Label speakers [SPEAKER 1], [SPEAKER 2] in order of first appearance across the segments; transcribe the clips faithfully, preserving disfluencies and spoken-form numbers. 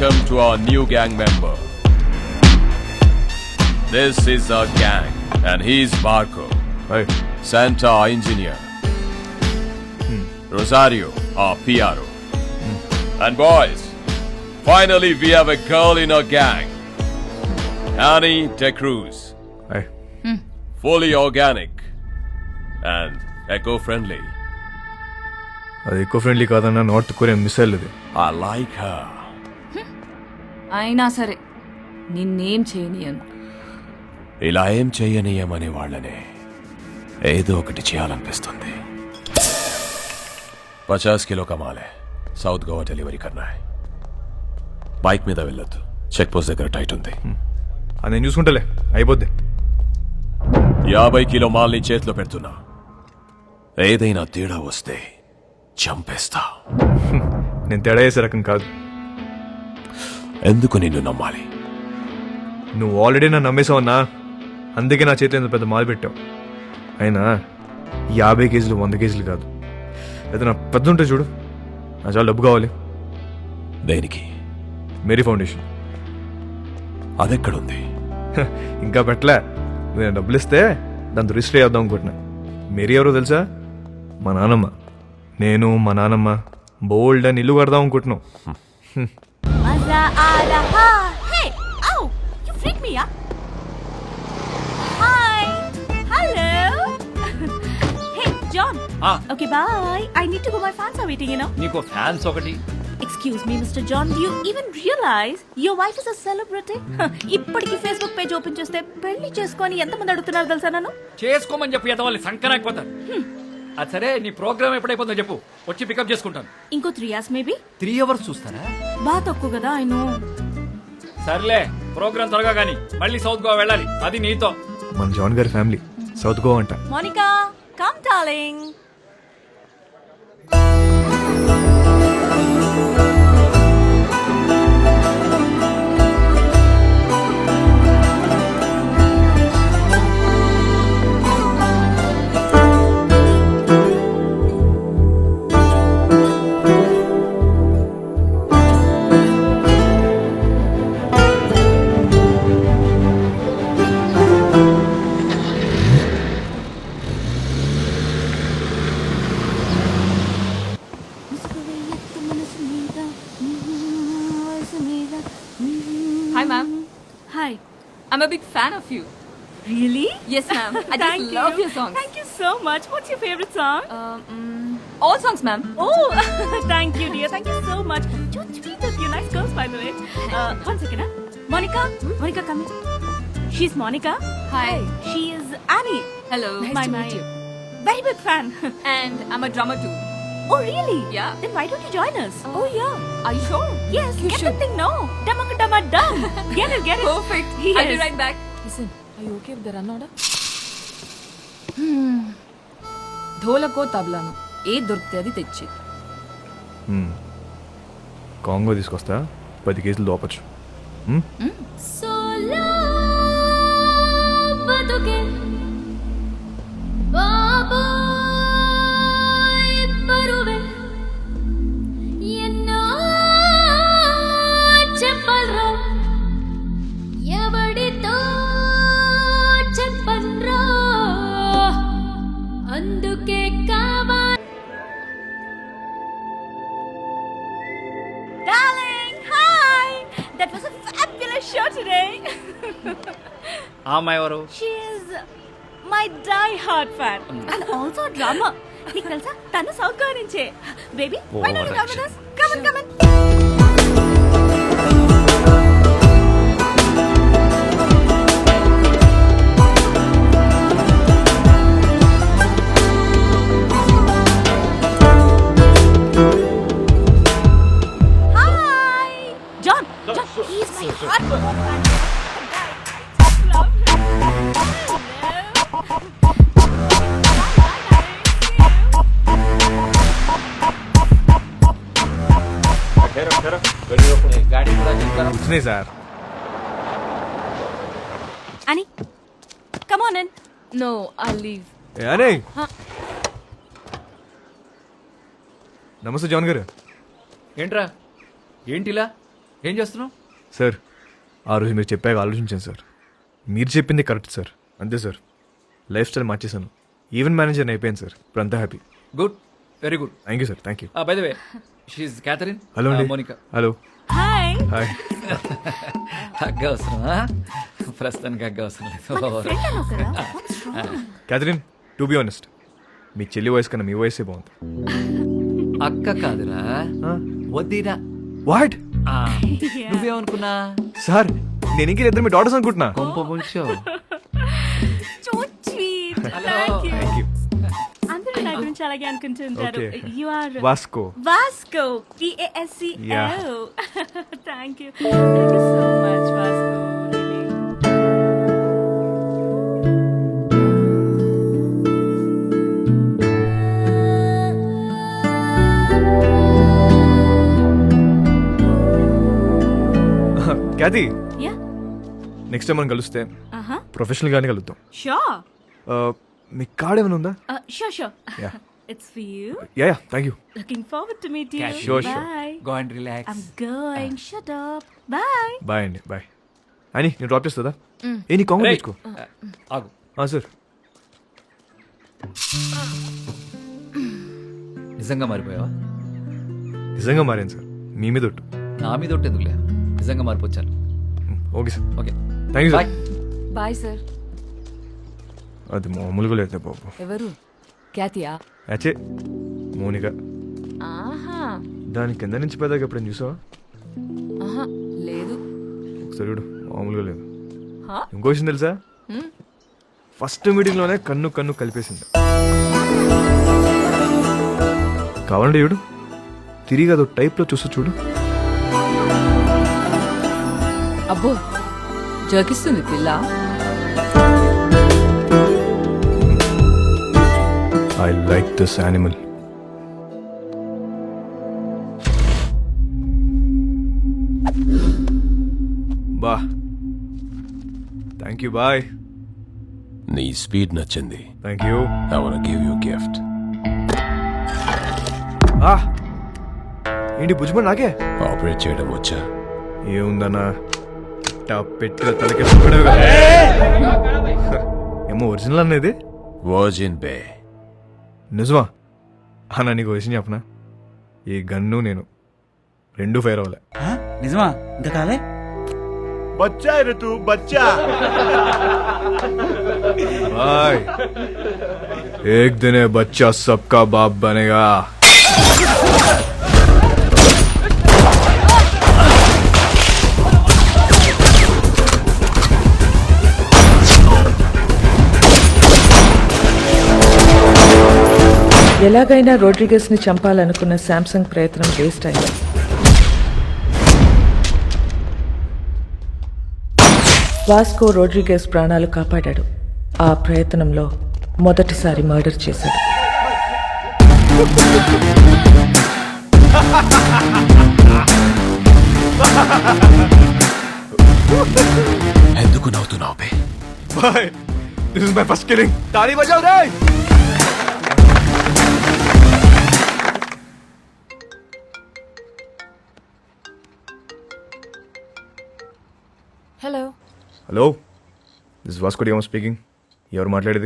[SPEAKER 1] welcome to our new gang member. This is our gang, and he's Marco.
[SPEAKER 2] Hi.
[SPEAKER 1] Santa, our engineer.
[SPEAKER 2] Hmm.
[SPEAKER 1] Rosario, our P R O. Hmm. And boys, finally we have a girl in our gang. Annie De Cruz.
[SPEAKER 2] Hi.
[SPEAKER 3] Hmm.
[SPEAKER 1] Fully organic and eco-friendly.
[SPEAKER 2] అది eco friendly కాదన్న north Korean missile ఇది.
[SPEAKER 1] I like her.
[SPEAKER 3] అయినా సరే నిన్నేం చేయనియను.
[SPEAKER 1] ఇలా ఏం చెయ్యనీయమనే వాళ్ళనే ఏదో ఒకటి చేయాలనిపిస్తుంది. పచాస్ కిలో కమాలే సౌత్ గోవా డెలివరీ కన్నా. బైక్ మీద వెళ్ళొద్దు, చెక్ పోస్ట్ దగ్గర టైట్ ఉంది.
[SPEAKER 2] అది నేను చూసుకుంటలే, అయిపోద్ది.
[SPEAKER 1] యాభై కిలో మాల్ని చేతిలో పెడుతున్నా. ఏదైనా తేడా వస్తే చంపేస్తా.
[SPEAKER 2] నేను తేడా చేసే రకం కాదు.
[SPEAKER 1] ఎందుకు నిన్ను నమ్మాలి?
[SPEAKER 2] నువ్వు ఆల్రెడీ నన్ను నమ్మేసావన్నా, అందుకే నా చేతిలో ఇంత పెద్ద మాలు పెట్టావు. అయినా యాభై కేజీలు వంద కేజీలు కాదు, అయితే నా పెద్ద ఉంటే చూడు, నా చాలా డబ్బు కావాలి.
[SPEAKER 1] దేనికి?
[SPEAKER 2] మేరీ ఫౌండేషన్.
[SPEAKER 1] అదెక్కడుంది?
[SPEAKER 2] ఇంకా పెట్టలే. నేను డబ్బులు ఇస్తే దాంతో రిజిస్టర్ చేద్దాం అనుకుంటున్నా. మేరీ ఎవరో తెలుసా? మా నాన్నమ్మ. నేను మా నాన్నమ్మ బోల్డ్ అని ఇల్లు కడదాం అనుకుంటున్నాం.
[SPEAKER 4] మజా ఆ రహా. Hey oh you freak me yeah. Hi hello. Hey John. Okay bye. I need to go. My fans are waiting you know.
[SPEAKER 5] నీకు ఫ్యాన్స్ ఒకటి.
[SPEAKER 4] Excuse me mister John, do you even realize your wife is a celebrity? ఇప్పటికి Facebook page open చేస్తే పెళ్లి చేసుకొని ఎంతమంది అడుగుతున్నారు తెలుసా నన్ను?
[SPEAKER 5] చేసుకోమని చెప్పి ఎదవాలి సంకరాకపోతారు. అది సరే, నీ ప్రోగ్రామ్ ఎప్పుడైపోతుందో చెప్పు, వచ్చి పికప్ చేసుకుంటాను.
[SPEAKER 4] ఇంకో three hours maybe.
[SPEAKER 5] Three hours చూస్తారా?
[SPEAKER 4] బాగా తక్కువ కదా. I know.
[SPEAKER 5] సర్లే, ప్రోగ్రామ్ త్వరగా కానీ మళ్ళీ సౌత్ గోవా వెళ్ళాలి, అది నీతో.
[SPEAKER 2] మన జాన్ గారి ఫ్యామిలీ సౌత్ గోవా అంట.
[SPEAKER 4] Monica come darling.
[SPEAKER 3] Hi ma'am.
[SPEAKER 4] Hi.
[SPEAKER 3] I'm a big fan of you.
[SPEAKER 4] Really?
[SPEAKER 3] Yes ma'am. I just
[SPEAKER 4] Thank
[SPEAKER 3] love
[SPEAKER 4] you.
[SPEAKER 3] your songs.
[SPEAKER 4] Thank you so much. What's your favorite song?
[SPEAKER 3] Um, mm, all songs ma'am.
[SPEAKER 4] Oh, thank you, dear. Thank you so much. So sweet of you. Nice girls, by the way. Uh, one second, huh? Monica? Hmm? Monica, come here. She's Monica.
[SPEAKER 3] Hi.
[SPEAKER 4] She is Annie.
[SPEAKER 3] Hello.
[SPEAKER 4] My,
[SPEAKER 3] Nice to
[SPEAKER 4] my
[SPEAKER 3] meet you.
[SPEAKER 4] very big fan.
[SPEAKER 3] And I'm a drummer too.
[SPEAKER 4] Oh, really?
[SPEAKER 3] Yeah.
[SPEAKER 4] Then why don't you join us?
[SPEAKER 3] Uh,
[SPEAKER 4] oh, yeah.
[SPEAKER 3] Are you sure?
[SPEAKER 4] Yes,
[SPEAKER 3] You
[SPEAKER 4] get
[SPEAKER 3] should.
[SPEAKER 4] the thing now. Dumma dumma dum. Get it, get it.
[SPEAKER 3] Perfect.
[SPEAKER 4] Yes.
[SPEAKER 3] I'll be right back. Listen, are you okay with the run order? Hmm. ధోలకో తబలాను ఏ దొరికితే అది తెచ్చి.
[SPEAKER 2] Congo తీసుకొస్తా, పది కేజీలు దోపచ్చు.
[SPEAKER 4] Solo బతుకే బాబోయ్ బరువే ఎన్నో చెప్పల్రా ఎవడితో చెప్పన్రా అందుకే కావా. Darling, hi! That was a fabulous show today.
[SPEAKER 5] ఆ అమ్మాయి ఎవరు?
[SPEAKER 4] She is my die-hard fan and also a drummer. నీకు తెలుసా, తను సౌత్ గోవా నుంచే. Baby, why don't you come with us? Come on, come on. Hi! John, John, he's my hardcore fan. Love him.
[SPEAKER 2] వచ్చినాయి sir.
[SPEAKER 4] Annie, come on in.
[SPEAKER 3] No, I'll leave.
[SPEAKER 2] ఏ అనే.
[SPEAKER 3] Huh?
[SPEAKER 2] నమస్తే John గారు.
[SPEAKER 5] ఏంట్రా ఏంటిలా? ఏం చేస్తున్నావు?
[SPEAKER 2] Sir ఆ రోజు మీరు చెప్పాక ఆలోచించాను సార్. మీరు చెప్పింది కరెక్ట్ సార్. అంతే సార్, లైఫ్ స్టైల్ మార్చేశాను. ఈవెంట్ మేనేజర్ అయిపోయాను సార్. ఇప్పుడు అంతా happy.
[SPEAKER 5] Good, very good.
[SPEAKER 2] Thank you sir. Thank you.
[SPEAKER 5] By the way, she's Catherine.
[SPEAKER 2] Hello అండి.
[SPEAKER 5] Monica.
[SPEAKER 2] Hello.
[SPEAKER 4] Hi
[SPEAKER 2] hi.
[SPEAKER 5] Hug అవసరమా? ప్రస్తుతానికి హగ్ అవసరం లేదు.
[SPEAKER 4] ఫ్రెండ్ అన్నావు కదా What's wrong?
[SPEAKER 2] Catherine, to be honest, మీ చెల్లి వయసు కన్నా మీ వయసే బాగుంది.
[SPEAKER 5] అక్క కాదురా, వద్దిరా.
[SPEAKER 2] వాట్
[SPEAKER 5] నువ్వేమనుకున్నా?
[SPEAKER 2] సార్, నేను ఇంక ఇద్దరు మీ డాటర్స్ అనుకుంటున్నా.
[SPEAKER 5] కొంప ముంచో.
[SPEAKER 4] So sweet.
[SPEAKER 5] Hello.
[SPEAKER 4] Thank you.
[SPEAKER 2] Thank you.
[SPEAKER 4] అందరూ నా గురించి అలాగే అనుకుంటుంటారు.
[SPEAKER 2] Okay.
[SPEAKER 4] You are
[SPEAKER 2] Vasco.
[SPEAKER 4] Vasco. V A S C O.
[SPEAKER 2] Yeah.
[SPEAKER 4] Thank you. Thank you so much, Vasco. Really.
[SPEAKER 2] Cathy,
[SPEAKER 4] Yeah.
[SPEAKER 2] Next time మనం కలిస్తే
[SPEAKER 4] Uh-huh.
[SPEAKER 2] ప్రొఫెషనల్ గానే కలుద్దాం.
[SPEAKER 4] Sure.
[SPEAKER 2] Uh, మీ card ఏమైనా ఉందా?
[SPEAKER 4] Uh, sure, sure.
[SPEAKER 2] Yeah.
[SPEAKER 4] It's for you.
[SPEAKER 2] Yeah yeah, thank you.
[SPEAKER 4] Looking forward to meet you.
[SPEAKER 5] Yeah,
[SPEAKER 2] sure, sure.
[SPEAKER 4] Bye.
[SPEAKER 5] Go and relax.
[SPEAKER 4] I'm going. Shut up. Bye.
[SPEAKER 2] Bye అండి, bye. అని నేను drop చేస్తుందా? ఏ నీ కాంగ్రెస్ తెచ్చుకో.
[SPEAKER 5] ఆగు.
[SPEAKER 2] Sir,
[SPEAKER 5] నిజంగా మారిపోయావా?
[SPEAKER 2] నిజంగా మారాను సార్. మీ మీద ఒట్టు.
[SPEAKER 5] నా మీద ఒకటి ఎందుకులే, నిజంగా మారిపోవచ్చాను.
[SPEAKER 2] Okay sir.
[SPEAKER 5] Okay,
[SPEAKER 2] thank you
[SPEAKER 5] bye.
[SPEAKER 2] Sir.
[SPEAKER 3] Bye sir.
[SPEAKER 2] అది మామూలుగా లేదు బాబు.
[SPEAKER 3] ఎవరు? క్యాతియా?
[SPEAKER 2] అచ్చే, మోనిక.
[SPEAKER 3] ఆహా.
[SPEAKER 2] దాని కింద నుంచి పెద్దగా ఎప్పుడైనా చూసావా?
[SPEAKER 3] ఆహా, లేదు.
[SPEAKER 2] ఒకసారి చూడు, మామూలుగా లేదు.
[SPEAKER 3] హా?
[SPEAKER 2] ఇంకో విషయం తెలుసా? ఫస్ట్ మీటింగ్లోనే కన్ను కన్ను కలిపేసింది. కావాలంటే చూడు, తిరిగి అదో టైప్లో చూస్తూ చూడు.
[SPEAKER 3] అబ్బో, జోకిస్తుంది పిల్ల.
[SPEAKER 2] I like this animal. బా, థ్యాంక్ యూ. బాయ్.
[SPEAKER 1] నీ స్పీడ్ నచ్చింది.
[SPEAKER 2] Thank you.
[SPEAKER 1] I want give you gift.
[SPEAKER 2] ఆ, ఏంటి బుజ్జిమని నాకే
[SPEAKER 1] ఆపరేట్ చేయడం వచ్చా?
[SPEAKER 2] ఏముందన్నా, పెట్టిన తలకి ఏమో ఒరిజినల్ అనేది.
[SPEAKER 1] Virgin Bay.
[SPEAKER 2] నిజమా? అన్న నీకు విషయం చెప్పనా, ఈ గన్ను నేను రెండు ఫైర్ అవ్వలే.
[SPEAKER 6] నిజమా? ఇంకా కాలే?
[SPEAKER 2] బచ్చా తూ బచ్చా. भाई एक दिन ये बच्चा सबका बाप बनेगा.
[SPEAKER 7] ఎలాగైనా రోడ్రిగస్ ని చంపాలనుకున్న శాంసంగ్ ప్రయత్నం వేస్ట్ అయింది. వాస్కో రోడ్రిగస్ ప్రాణాలు కాపాడాడు. ఆ ప్రయత్నంలో మొదటిసారి మర్డర్ చేశాడు.
[SPEAKER 1] ఎందుకు నవ్వుతున్నావు బే?
[SPEAKER 2] Bye. This is my first killing. ताली बजाओ रे.
[SPEAKER 3] Hello.
[SPEAKER 2] Hello, this is Vasco da Gama speaking. ఎవరు మాట్లాడేది?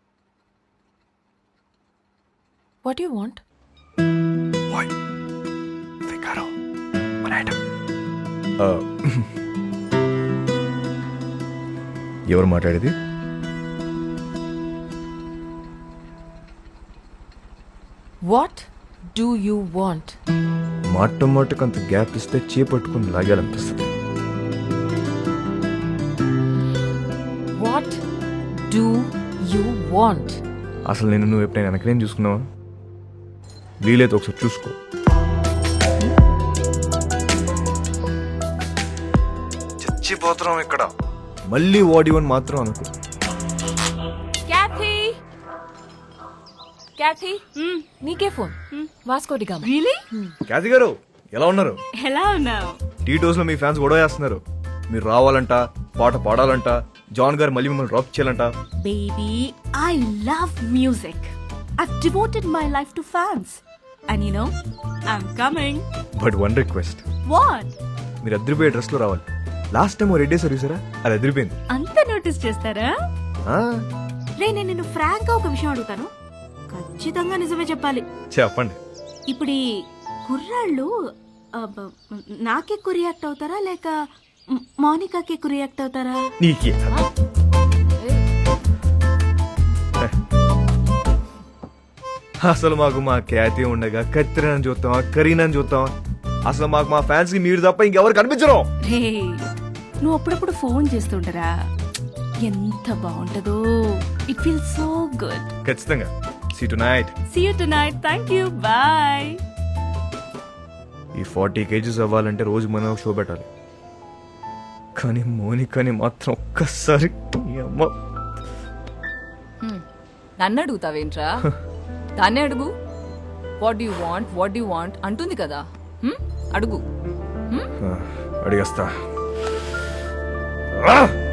[SPEAKER 3] What you want?
[SPEAKER 2] ఎవరు మాట్లాడేది?
[SPEAKER 3] What do you want?
[SPEAKER 2] మాట మాటకు అంత గ్యాప్ ఇస్తే చేపట్టుకుని లాగాలనిపిస్తుంది.
[SPEAKER 3] What do you want?
[SPEAKER 2] అసలు నేను నువ్వు ఎప్పుడైనా వెనకనేం చూసుకున్నావా? వీలైతే ఒకసారి చూసుకో. చచ్చిపోతున్నాం ఇక్కడ. మళ్ళీ వాడి వన్ మాత్రం అనుకో.
[SPEAKER 3] క్యాథీ, క్యాథీ, నీకే phone. Vasco da Gama.
[SPEAKER 4] Really?
[SPEAKER 2] Cathy గారు ఎలా ఉన్నారు?
[SPEAKER 4] ఎలా ఉన్నావు?
[SPEAKER 2] టీ టోస్ లో మీ ఫ్యాన్స్ గొడవ చేస్తున్నారు. మీరు రావాలంట, పాట పాడాలంట, జాన్ గారు మళ్ళీ మిమ్మల్ని డ్రాప్ చేయాలంట.
[SPEAKER 4] Baby, I love music. I've devoted my life to fans. And you know, I'm coming.
[SPEAKER 2] But one request,
[SPEAKER 4] What?
[SPEAKER 2] మీరు అదిరిపోయే డ్రెస్లో రావాలి. లాస్ట్ టైం రెడ్ వేసారు చూసారా, అది అదిరిపోయింది.
[SPEAKER 4] అంత నోటీస్ చేస్తారా?
[SPEAKER 2] ఆ,
[SPEAKER 4] రే నేను నిన్ను ఫ్రాంక్ గా ఒక విషయం అడుగుతాను, ఖచ్చితంగా నిజమే చెప్పాలి.
[SPEAKER 2] చెప్పండి.
[SPEAKER 4] ఇప్పుడు ఈ కుర్రాళ్ళు అబ్బ, నాకే ఎక్కువ రియాక్ట్ అవుతారా లేక మ్, మౌనికాకి ఎక్కువ రియాక్ట్ అవుతారా?
[SPEAKER 2] నీకే అసలు మాకు మా ఖ్యాతి ఉండగా కత్తిరని చూస్తామా, కరీనని చూస్తామా? అసలు మాకు మా ఫ్యాన్స్ కి మీరు తప్ప ఇంకెవరు కనిపించరు.
[SPEAKER 4] రే నువ్వు అప్పుడప్పుడు ఫోన్ చేస్తుంటారా, ఎంత బాగుంటుందో. It feel so good.
[SPEAKER 2] ఖచ్చితంగా. See tonight.
[SPEAKER 4] See you tonight. Thank you. Bye.
[SPEAKER 2] ఈ ఫార్టీ కేజీస్ అవ్వాలంటే రోజు మనం షో పెట్టాలి. కానీ మోనికాని మాత్రం ఒక్కసారి ఈ అమ్మ
[SPEAKER 3] నన్ను అడుగుతావేంట్రా? దాన్నే అడుగు. What you want what you want అంటుంది కదా. హ్మ్? అడుగు.
[SPEAKER 2] ఆ, అడిగేస్తా. ఆ!